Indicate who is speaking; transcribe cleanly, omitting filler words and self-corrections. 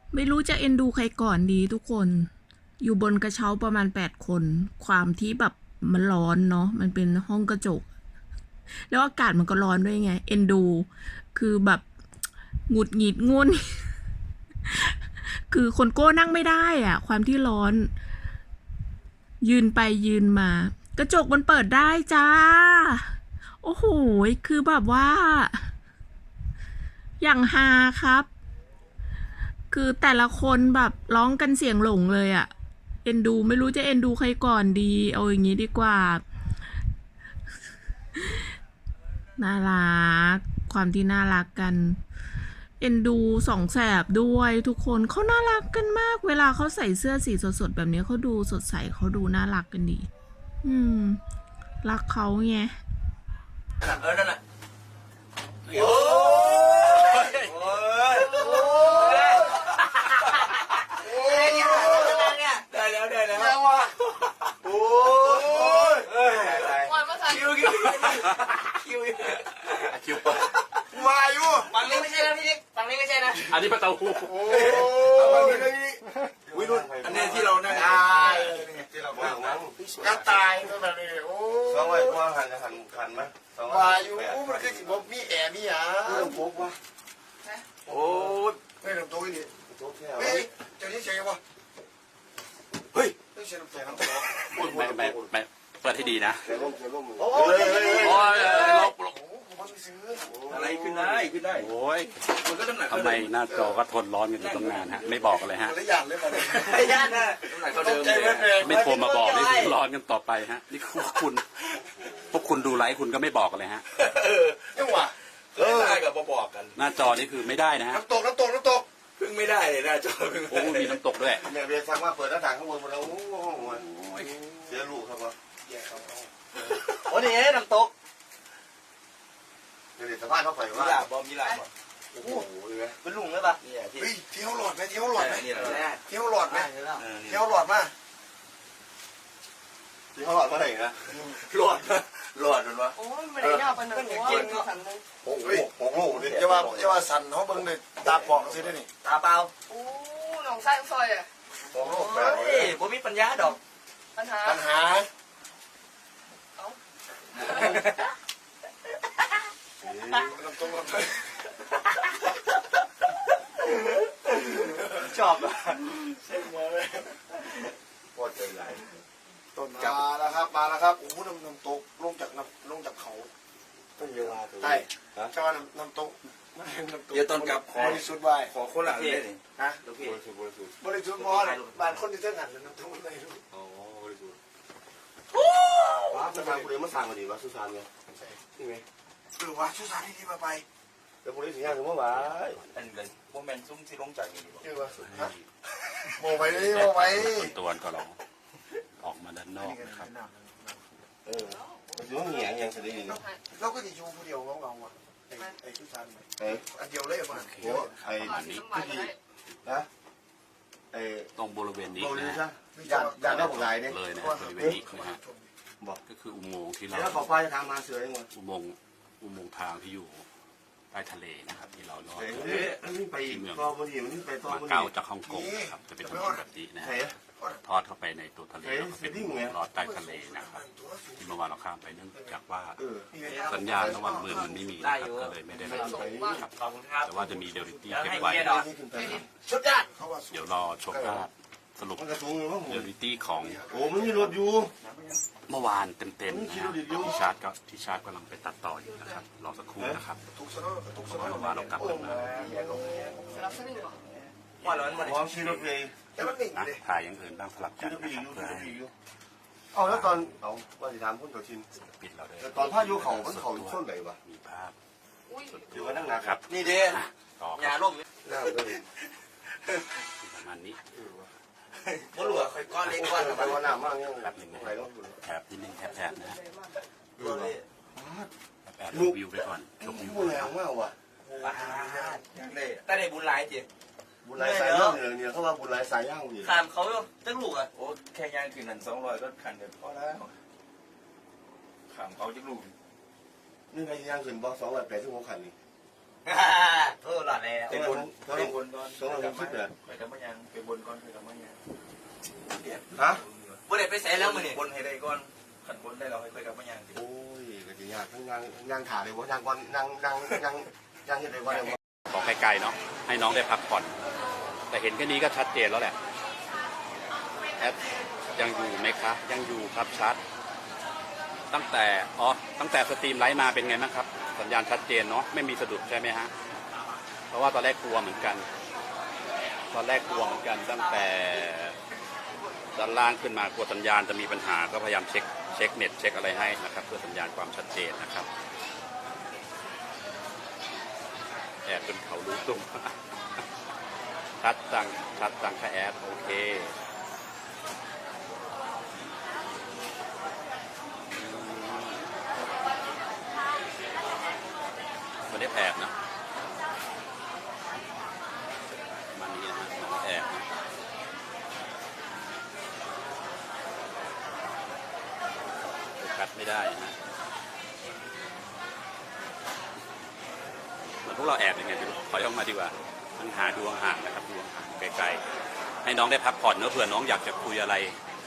Speaker 1: ไม่รู้จะเอ็นดูใครก่อนดีทุกคน อยู่บนกระเช้าประมาณ8 คน ความที่แบบมันร้อนเนาะ มันเป็นห้องกระจก แล้วอากาศมันก็ร้อนด้วยไง เอ็นดู คือแบบหงุดหงิดงุน คือคนโก้นั่งไม่ได้อะความที่ร้อน ยืนไปยืนมา กระจกมันเปิดได้จ้า โอ้โห คือแบบว่า อย่างฮาครับ คือแต่ละคนแบบร้องกันเสียงหลงเลยอะเอ็นดูไม่รู้จะเอ็นดูใครก่อนดี เอาอย่างนี้ดีกว่า น่ารัก ความที่น่ารักกัน เอ็นดูสองแสบด้วยทุกคนเขาน่ารักกันมาก เวลาเขาใส่เสื้อสีสดๆแบบนี้เขาดูสดใสเขาดูน่ารักกันดี รักเขาไง
Speaker 2: นั่นน่ะโอ้ยโอ้ยโอ้ยเนี่ยได้แล้วยังวะโอ้ยคิวมาอยู่ฝั่งนี้ไม่ใช่นะพี่ฝั่งนี้ไม่ใช่นะอันนี้ประตูโอ้ยฝั่งนี้เลยวิรุณอันนี้ที่เรานั่งที่เรานั่งก็ตายก็แบบนี้โอ้สองวันว่าหันไหมมาอยู่มันคือสิบมีแอร์มีหยาพกวะโอ้ยไม่ลำตัวนี่เฮ้ยเจ้าที่เฉยวะเฮ้ยต้องเฉยน้ำแข็งน้ำตก
Speaker 3: ไม่เปิดให้ดีนะ
Speaker 2: โอ้ยลบอะไรขึ้นได้
Speaker 3: โอ้ย
Speaker 2: มันก็น้ำหนัก
Speaker 3: ทำไมหน้าจอก็ทนร้อนกันอยู่ตั้งนานฮะไม่บอกเลยฮะ
Speaker 2: ระยะเลยระยะนะน้ำหนักเขาเดิม
Speaker 3: ไม่โทรมาบอกนี่คือร้อนกันต่อไปฮะนี่พวกคุณดูไลฟ์คุณก็ไม่บอกเลยฮะ
Speaker 2: ยังวะได้กับบอกกัน
Speaker 3: หน้าจอนี่คือไม่ได้นะฮะ
Speaker 2: น้ำตกเพิ่งไม่ได้เลยหน้าจอเพิ่ง
Speaker 3: โอ้มีน้ำตกด้วย
Speaker 2: เนี่ยเบียร์สั่งมาเปิดหน้าต่างข้างบนมาแล้วโอ้ยเสียลูกครับวะแย่ครับโอ้นี่น้ำตกเดี๋ยวสะพานเข้าไปว่ามีหลาบโอ้โหเป็นลุงเลยปะเฮ้ยเที่ยวหลอดไหมเที่ยวหลอดมาเที่ยวหลอดมาเที่ยวหลอดมาไหนนะหลอดมันวะ
Speaker 4: โอ้ยไม่ได้ยาวไปหนึ่งหัวสั่นเลย
Speaker 2: โอ้โหนี่จะว่าสั่นเขาเบิ่งเลยตาปอกสิได้นี่ตาเปล่า
Speaker 4: โอ้น้องไส้ซอยอ่ะ
Speaker 2: โอ้โหผมมีปัญญาดอก
Speaker 4: ปัญหา
Speaker 2: ชอบอ่ะเส้นมาเลยโคตรใจไหลต้นมาแล้วครับโอ้โหน้ำตกลงจากเขาต้นเยาวาใช่ชอบน้ำตกเดี๋ยวต้นกับบริสุทธิ์ไว้ขอคนหลังเลยนะบริสุทธิ์มอเลยบ้านคนที่เส้นหันน้ำตกอะไรรู้อ๋อบริสุทธิ์ว้าสุสานคุณเรียนมาสั่งมาดิวะสุสานไงนี่ไงวะสุสานที่มาไปแล้วคุณเรียนสิ่งอย่างหนึ่งว่าอันเงินพวกแมนซุ้มที่ลงจากนี่ดีกว่าโมไป
Speaker 3: ตัวก็เราออกมาด้านนอกนะครับ
Speaker 2: ยุ่งเหยิงยังจะได้ยินเราก็จะอยู่คนเดียวเงาอ่ะไอ้สุสานอันเดียวเลยมาไอ้
Speaker 3: อันนี้
Speaker 2: นะไอ้
Speaker 3: ตรงบริเวณนี้นะ
Speaker 2: ยานบอกลายเนี่ย
Speaker 3: เลยนะบริเวณนี้นะฮะบอกก็คืออุโมงค์ที่เรา
Speaker 2: แล้วขอไฟทางมาเสือยังไง
Speaker 3: อุโมงค์ทางที่อยู่ใต้ทะเลนะครับที่เราลอด
Speaker 2: ที่เมืองมา
Speaker 3: เก๊าจากฮ่องกงครับจะเป็นถนนแบบนี้นะทอดเข้าไปในตัวทะเลแล้วก็เป็นลอดใต้ทะเลนะครับที่เมื่อวานเราข้ามไปเนื่องจากว่าสัญญาณระหว่างเมืองมันไม่มีนะครับก็เลยไม่ได้รับส่งครับแต่ว่าจะมีเดลิตี้เก็บไว้เดี๋ยวรอชมภาพสรุปเดลิตี้ของ
Speaker 2: โอ้มันมีรถอยู่
Speaker 3: เมื่อวานเต็มๆนะครับที่ชาร์จกำลังไปตัดต่ออยู่นะครับรอสักครู่นะครับเมื่อวานเรากลับมา
Speaker 2: พร้อมชี้รถเลย
Speaker 3: ถ่ายอย่างอื่นบ้างสลับกันนะครับเพื่อให้
Speaker 2: เอาแล้วตอนเอาว่าจะถามคุณตัวชิน
Speaker 3: ปิดเราเลย
Speaker 2: ตอนพายุเขาส้นไหนวะ
Speaker 3: มีภาพ
Speaker 2: ถือว่านั่งหนักครับนี่เด้
Speaker 3: ยา
Speaker 2: ล่มน่าเลย
Speaker 3: ประมาณนี้
Speaker 2: บ่หลวงก้อนเล็กก้อนไปว่าน้ำมากเนี่ย
Speaker 3: แบบหนึ่งแถบนิดนึงแถบนะแอบวิวไปก่อนชมวิว
Speaker 2: แรงมากว่ะ
Speaker 5: แต่ในบุญหลายจี
Speaker 2: บุญหลายสายย่างเนี่ยเขาว่าบุญหลายสายย่างนี่
Speaker 5: ขามเขาตั้งลูกอ่ะ
Speaker 2: โอ้แค่ย่างคืนนั้น200ก็ขันเดียวพอแล้วขามเขาจะลูกนี่ไงย่างคืนบอก280ขันนี่
Speaker 5: โอ้หลอดแล้ว
Speaker 2: เป็นบนก่อน260เนี่ย
Speaker 5: ไปกับมันยังไปบนก่อนไปกับมันยัง
Speaker 2: ฮะ
Speaker 5: บ่ได้ไปใส่แล้วมื้อนี้บนให้ได้ก่อนขันบนได้เราให้ไปกับมันยัง
Speaker 2: โอ้ยก็สิยากทั้งนั่งถ่าเลยบ่นั่งก่อนนั่งเฮ็ดได้บ่ได้บ่
Speaker 3: ขอไกลๆเนาะให้น้องได้พักผ่อน แต่เห็นแค่นี้ก็ชัดเจนแล้วแหละแอดยังอยู่ไหมคะยังอยู่ครับชัดตั้งแต่สตรีมไลฟ์มาเป็นไงบ้างครับสัญญาณชัดเจนเนาะไม่มีสะดุดใช่ไหมฮะเพราะว่าตอนแรกกลัวเหมือนกันตั้งแต่ด้านล่างขึ้นมากลัวสัญญาณจะมีปัญหาก็พยายามเช็คเน็ตเช็คอะไรให้นะครับเพื่อสัญญาณความชัดเจนนะครับแอดจนเขารู้ตุ่ม ชัดจังค่ะแอดโอเคไม่ได้แอบนะมันนี้นะมันแอบนะกัดไม่ได้นะเหมือนพวกเราแอบยังไงไม่รู้ถอยออกมาดีกว่ามันหาดวงห่างนะครับดวงห่างไกลๆให้น้องได้พักผ่อนเนอะเผื่อน้องอยากจะคุยอะไร